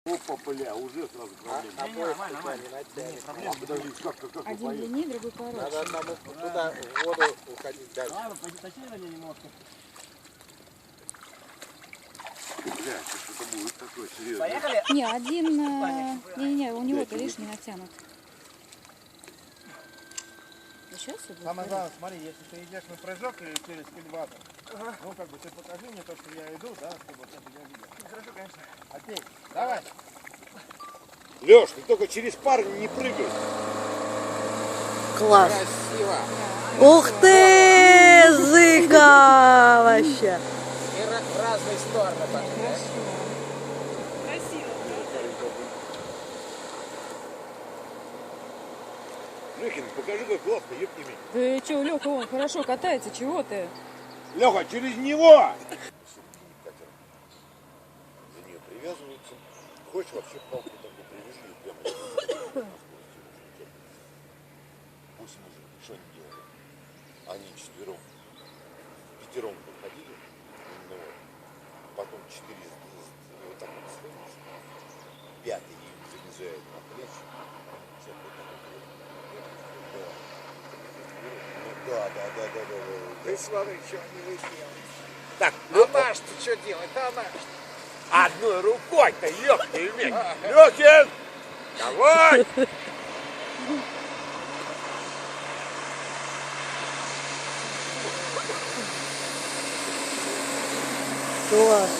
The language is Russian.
Опа, бля, уже сразу проблема. Нормально. Подожди, как Один длиннее, другой короче. Надо там туда в воду уходить дальше. Ладно, поточнее немножко. Бля, что-то будет такое серьезное. Поехали? Не, один... Не, у него-то лишний натянут. Сейчас все будет. Самое главное, смотри, если ты идешь на прыжок через кильватор, ну как бы ты покажи мне то, что я иду, да, чтобы вот это я видел. Хорошо, конечно. Окей, давай. Лёш, ты только через пар не прыгай. Класс. Красиво. Ух ты, зыка вообще. И в разные стороны пошли. Лёхин, покажи, как классно, ёпти меня. Ты че, Лёха, он хорошо катается, чего ты? Лёха, через него! За нее привязываются. Хочешь вообще палку такую привяжи прямо. Пусть мужик, что они делали? Они четвером, пятером выходили, ну, потом четыре вот так вот сходишь, пятый им залезает на плечи. Да. Ты смотри, что они выделали. Так, А наш-то что делает? А наш? одной рукой-то, ёпты, Лёхин! Давай! Класс.